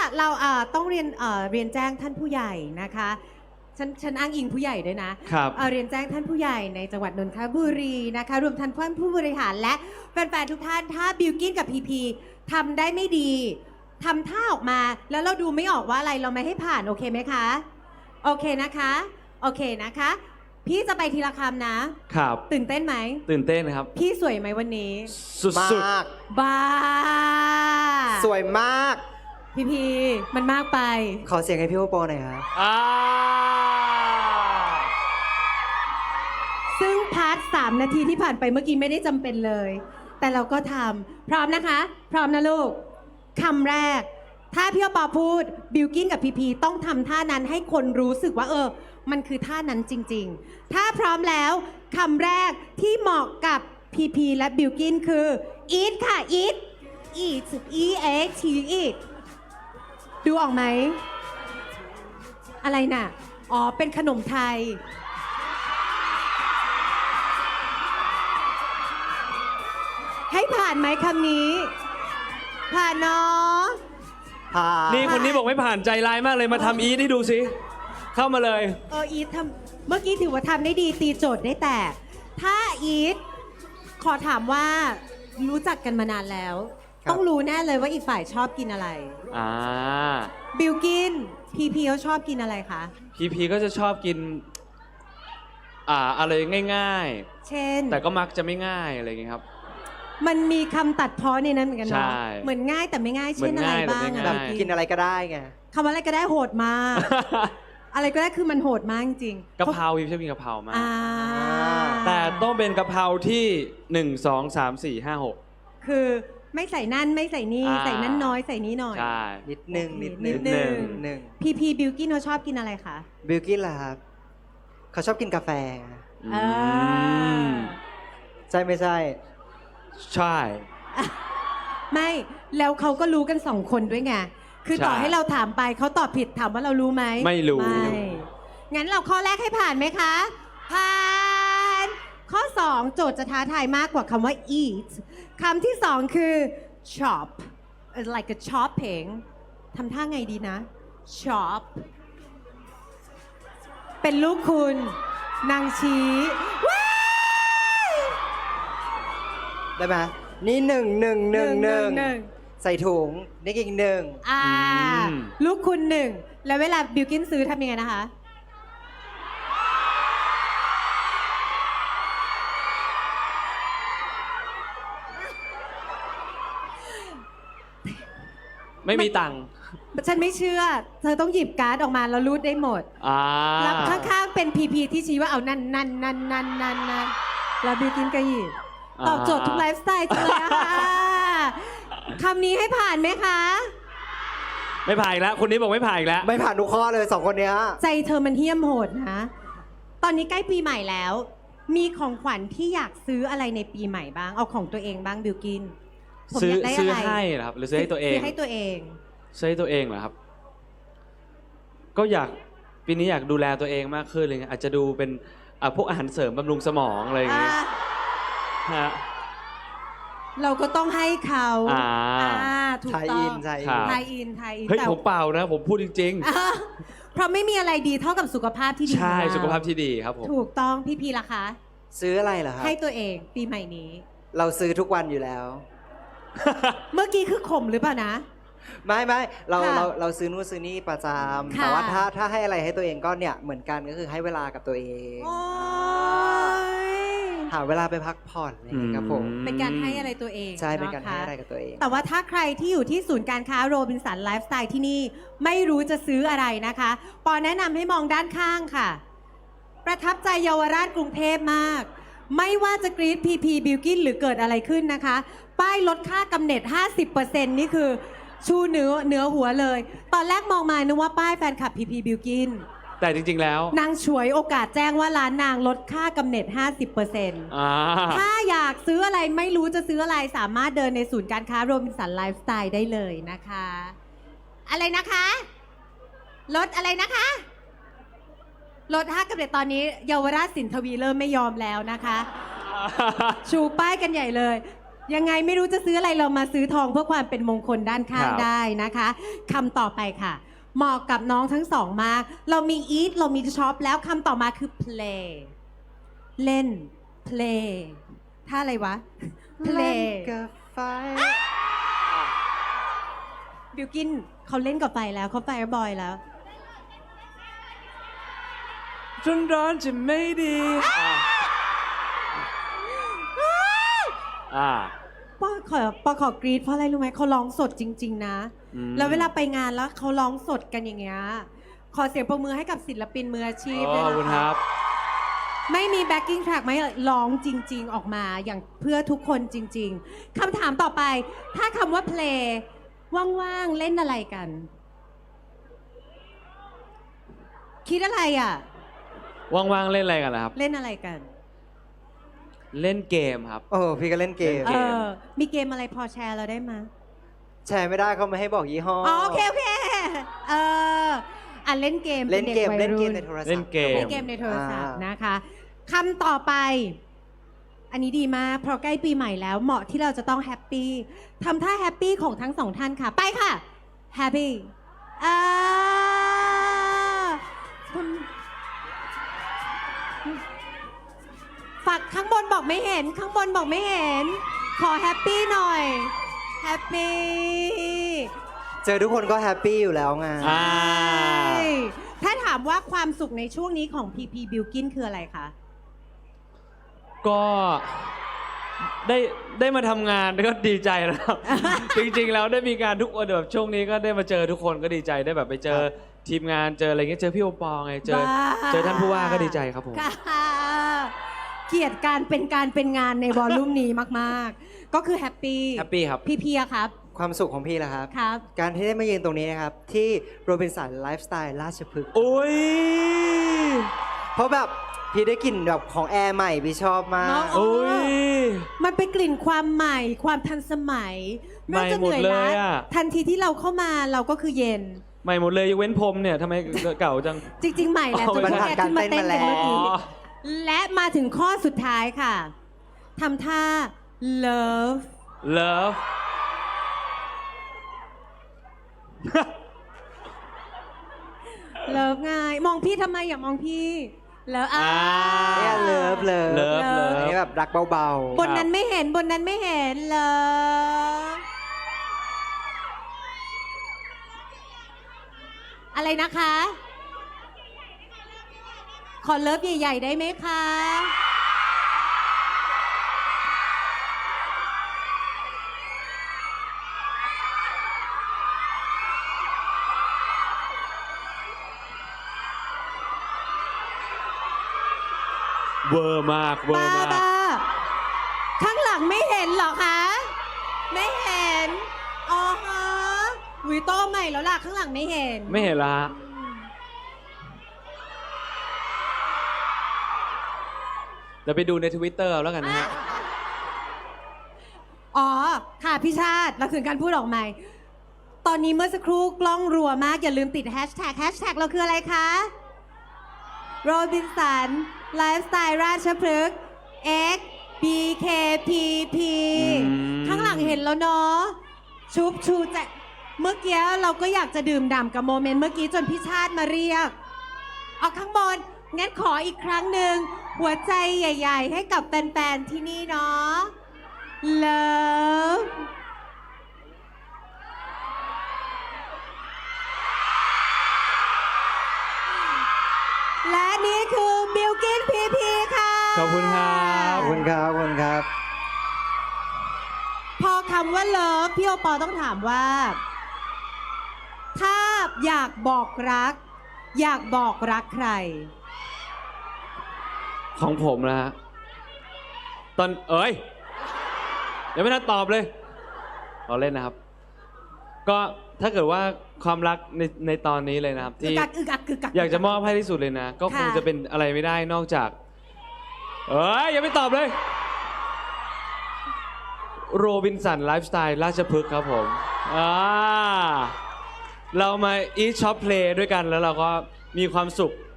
เราต้องเรียนแจ้งท่านผู้ใหญ่นะคะฉันอ้างอิงผู้ใหญ่ด้วยนะครับ เรียนแจ้งท่านผู้ใหญ่ในจังหวัดนนทบุรีนะคะรวมทั้งท่านผู้บริหารและแฟนๆทุกท่านถ้าบิลกิ้นกับพีพีทำได้ไม่ดีทำท่าออกมาแล้วเราดูไม่ออกว่าอะไรเราไม่ให้ผ่านโอเคไหมคะโอเคนะคะโอเคนะคะพี่จะไปทีละคำนะครับตื่นเต้นไหมตื่นเต้นครับพี่สวยไหมวันนี้สุดมากบ้าสวยมากพีมันมากไปขอเสียงให้พี่โอปอหน่อยครับซึ่งพาร์ท3 นาทีที่ผ่านไปเมื่อกี้ไม่ได้จำเป็นเลย แต่เราก็ทำพร้อมนะคะพร้อมนะลูกคำแรกถ้าพี่โอปอพูดบิลกิ้นกับพีพีต้องทำท่านั้นให้คนรู้สึกว่ามันคือท่านั้นจริงๆถ้าพร้อมแล้วคำแรกที่เหมาะกับพีพีและบิลกิ้นคือ eat ค่ะ eat eat e a t eat ดูออกไหมอะไรน่ะอ๋อเป็นขนมไทยให้ผ่านไหมคำนี้ผ่านเนาะผ่านนี่คนนี้บอกไม่ผ่านใจร้ายมากเลยมาทำอีทให้ดูสิเข้ามาเลยอีททำเมื่อกี้ถือว่าทำได้ดีตีโจทย์ได้แต่ถ้าอีทขอถามว่ารู้จักกันมานานแล้วต้องรู้แน่เลยว่าอีกฝ่ายชอบกินอะไรบิลกินพีเขาชอบกินอะไรคะพีก็จะชอบกินอะไรง่ายๆเช่นแต่ก็มักจะไม่ง่ายอะไรอย่างเงี้ยครับมันมีคำตัดพ้อในนั้นเหมือนกันเนาะใช่เหมือนง่ายแต่ไม่ง่ายเช่นอะไรบ้างแบบกินอะไรก็ได้ไงคำว่าอะไรก็ได้โหดมาก อะไรก็ได้คือมันโหดมากจริงกะเพราพีชอบกินกะเพรามากแต่ต้องเป็นกะเพราที่1 2 3 4 5 6 คือไม่ใส่นั่นไม่ใส่นี่ใส่นั่นน้อยใส่นี้หน่อยใช่นิดนึงพีบิลกิ้นเขาชอบกินอะไรคะบิลกิ้นล่ะครับเขาชอบกินกาแฟใช่ไม่ใช่ใช่ไม่แล้วเขาก็รู้กัน2 คนด้วยไงคือต่อให้เราถามไปเขาตอบผิดถามว่าเรารู้ไหมไม่รู้งั้นเราข้อแรกให้ผ่านไหมคะผ่านข้อ2โจทย์จะท้าทายมากกว่าคำว่า eat คำที่2คือ chop like a chopping ทำท่าไงดีนะ chop เป็นลูกคุณนางชี้ได้ไหมนี่1 ใส่ถุงนี่อีก1 ลูกคุณ1แล้วเวลาบิลกิ้นซื้อทำยังไงนะคะไม่มีตังค์ฉันไม่เชื่อเธอต้องหยิบการ์ดออกมาแล้วรูดได้หมดแล้วข้างๆเป็นพีที่ชี้ว่าเอานั่นแล้วบิลกิ้นก็หยิบตอบโจทย์ทุกไลฟ์สไตล์จังเลยค่ะคำนี้ให้ผ่านไหมคะไม่ผ่านแล้วคนนี้บอกไม่ผ่านอีกแล้วไม่ผ่านทุกข้อเลย2 คนเนี้ยใจเธอมันเหี้ยมโหดนะตอนนี้ใกล้ปีใหม่แล้วมีของขวัญที่อยากซื้ออะไรในปีใหม่บ้างเอาของตัวเองบ้างบิลกินซื้อให้เหรอครับหรือซื้อให้ตัวเองซื้อให้ตัวเองซื้อให้ตัวเองเหรอครับก็อยากปีนี้อยากดูแลตัวเองมากขึ้นเลยอาจจะดูเป็นพวกอาหารเสริมบำรุงสมองอะไรอย่างเงี้ยเราก็ต้องให้เขาถูกต้องไทยอินเฮ้ยผมเปล่านะผมพูดจริงๆเพราะไม่มีอะไรดีเท่ากับสุขภาพที่ดีใช่สุขภาพที่ดีครับผมถูกต้องพีล่ะคะซื้ออะไรเหรอครับให้ตัวเองปีใหม่นี้เราซื้อทุกวันอยู่แล้วเมื่อกี้คือข่มหรือเปล่านะไม่เราซื้อนู่นซื้อนี่ประจำแต่ว่าถ้าให้อะไรให้ตัวเองก็เนี่ยเหมือนกันก็คือให้เวลากับตัวเองหาเวลาไปพักผ่อนนะครับผมเป็นการให้อะไรตัวเองใช่เป็นการให้อะไรกับตัวเองแต่ว่าถ้าใครที่อยู่ที่ศูนย์การค้าโรบินสันไลฟ์สไตล์ที่นี่ไม่รู้จะซื้ออะไรนะคะปอแนะนำให้มองด้านข้างค่ะประทับใจเยาวราชกรุงเทพมากไม่ว่าจะกรี๊ดพีบิลกิ้นหรือเกิดอะไรขึ้นนะคะป้ายลดค่ากำเนิด 50% นี่คือชูเหนือหัวเลยตอนแรกมองมานึกว่าป้ายแฟนคลับพีบิลกิ้นแต่จริงๆแล้วนางฉวยโอกาสแจ้งว่าร้านนางลดค่ากำเนิด 50% ถ้าอยากซื้ออะไรไม่รู้จะซื้ออะไรสามารถเดินในศูนย์การค้าโรบินสันไลฟ์สไตล์ได้เลยนะคะอะไรนะคะลดอะไรนะคะลดค่ากำเนิดตอนนี้เยาวราชสินทวีเริ่มไม่ยอมแล้วนะคะชูป้ายกันใหญ่เลยยังไงไม่รู้จะซื้ออะไรเรามาซื้อทองเพื่อความเป็นมงคลด้านข้างครับได้นะคะคำต่อไปค่ะ เหมาะกับน้องทั้งสองมาก เรามี eat เรามี shop แล้วคำต่อมาคือ play เล่น play ท่าอะไรวะ play กับไฟบิวกินเขาเล่นกับไฟแล้วเขาไฟบอยแล้วจนร้อนจะไม่ดีอ่าปอขอกรีดเพราะอะไรรู้ไหมเขาร้องสดจริง ๆ นะอืมแล้วเวลาไปงานแล้วเขาร้องสดกันอย่างเงี้ยขอเสียงปรบมือให้กับศิลปินมืออาชีพขด้วยอบคุณนะคคะรับไม่มี backing track ไม่ร้องจริง ๆ ออกมาอย่างเพื่อทุกคนจริง ๆคำถามต่อไป ถ้าคำว่า play ว่าง ๆ เล่นอะไรกัน คิดอะไรอ่ะว่างๆเล่นอะไรกันล่ะครับเล่นอะไรกันเล่นเกมครับโอ้พี่ก็เล่นเกมเออ มีเกมอะไรพอแชร์เราได้ไหมยแชร์ไม่ได้เขาไม่ให้บอกยี่ห้ออ๋อโอเคโอเคเอออ่ะเล่นเกมเล่นเกมป็เล่นด็เกวัยมรุ่ในโทรศัพท์เล่นเกมเล่นเกมในโทรศัพท์อ่านะคะคำต่อไป อันนี้ดีมากเพราะใกล้ปีใหม่แล้วเหมาะที่เราจะต้องแฮปปี้ทำท่าแฮปปี้ของทั้งสองท่านค่ะ ไปค่ะแฮปปี้อ่าฝักข้างบนบอกไม่เห็น ข้างบนบอกไม่เห็น ขอแฮปปี้หน่อยแฮปปี้เจอทุกคนก็แฮปปี้อยู่แล้วไงอ่าถ้าถามว่าความสุขในช่วงนี้ของ PP Bilkin คืออะไรคะก็ได้มาทำงานก็ดีใจแล้วครับ จริงๆแล้วได้มีการทุกคนแบบช่วงนี้ก็ได้มาเจอทุกคนก็ดีใจได้แบบไปเจอทีมงานเจออะไรเงี้ยเจอพี่โอปอไงเจอบ้าเจอท่านผู้ว่าก็ดีใจครับผมค่ะเกลียดการเป็นงานในวอลลุ่มนี้มากๆ ก็คือแฮปปี้แฮปปี้ครับพี่เพียครับความสุขของพี่ล่ะครับครับการที่ได้มายืนตรงนี้นะครับ ที่โรบินสันไลฟ์สไตล์ราชพฤกษ์โอ้ยเพราะแบบพี่ได้กลิ่นแบบของแอร์ใหม่พี่ชอบมาเนกอะโอ้ยมันเป็นกลิ่นความใหม่ความทันสมัยใหม่หมดเลยอะทันทีที่เราเข้ามาเราก็คือเย็นใหม่หมดเลยยกเว้นผมเนี่ยทำไมเก่าจังจริง ๆ ใหม่แหละอ๋อจนมันพวกผ่านแกขึ้นมาเต้นกันการเต้นมาแล้วเมื่อกี้และมาถึงข้อสุดท้ายค่ะทำท่า love เลิฟเลิฟไงมองพี่ทำไมอย่ามองพี่เลิฟอ่าเนี่ยเลิฟเลิฟเลิฟอันนี้แบบรักเบาบนนั้นไม่เห็นบนนั้นไม่เห็นเลิฟอะไรนะคะ ขอเลิฟใหญ่ๆได้ไหมคะเวอร์มากเวอบ้าร์มากบ้าข้างหลังไม่เห็นเหรอคะ ไม่เห็น อ๋อฮะวิโต้ใหม่แล้วล่ะ ข้างหลังไม่เห็นไม่เห็นละฮะเดี๋ยวไปดูใน Twitter เอาแล้วกันนะฮะอ๋อ ค่ะพี่ชาติเราถึงการพูดออกใหม่ ตอนนี้เมื่อสักครู่กล้องรัวมาก อย่าลืมติดแฮชแท็กเราคืออะไรคะโรบินสันไลฟ์สไตล์ราชพฤกษ์ X BKPP อืมข้างหลังเห็นแล้วเนาะชุบชูแจเมื่อกี้เราก็อยากจะดื่มด่ำกับโมเมนต์เมื่อกี้จนพี่ชาติมาเรียก เอาข้างบน งั้นขออีกครั้งหนึ่งหัวใจใหญ่ ๆ ให้กับแฟนๆที่นี่เนาะ Love และนี่คือบิลกินพีพีค่ะขอบคุณครับๆขอบคุณครับขอบคุณครับพอคำว่าเลิฟพี่โอปอต้องถามว่า ถ้าอยากบอกรัก อยากบอกรักใครของผมนะฮะ ตอนเอ้ยยังไม่ทันตอบเลยเราเล่นนะครับ ก็ถ้าเกิดว่าความรักในตอนนี้เลยนะครับอึที่กอักอึกอักอึกอักอยากจะมอบให้ที่สุดเลยนะ ก็คงค่ะจะเป็นอะไรไม่ได้นอกจาก เอ้ยยังไม่ตอบเลย โรบินสันไลฟ์สไตล์ราชพฤกษ์ครับผมเรามาอีทช็อปเพลย์ด้วยกันแล้วเราก็มีความสุข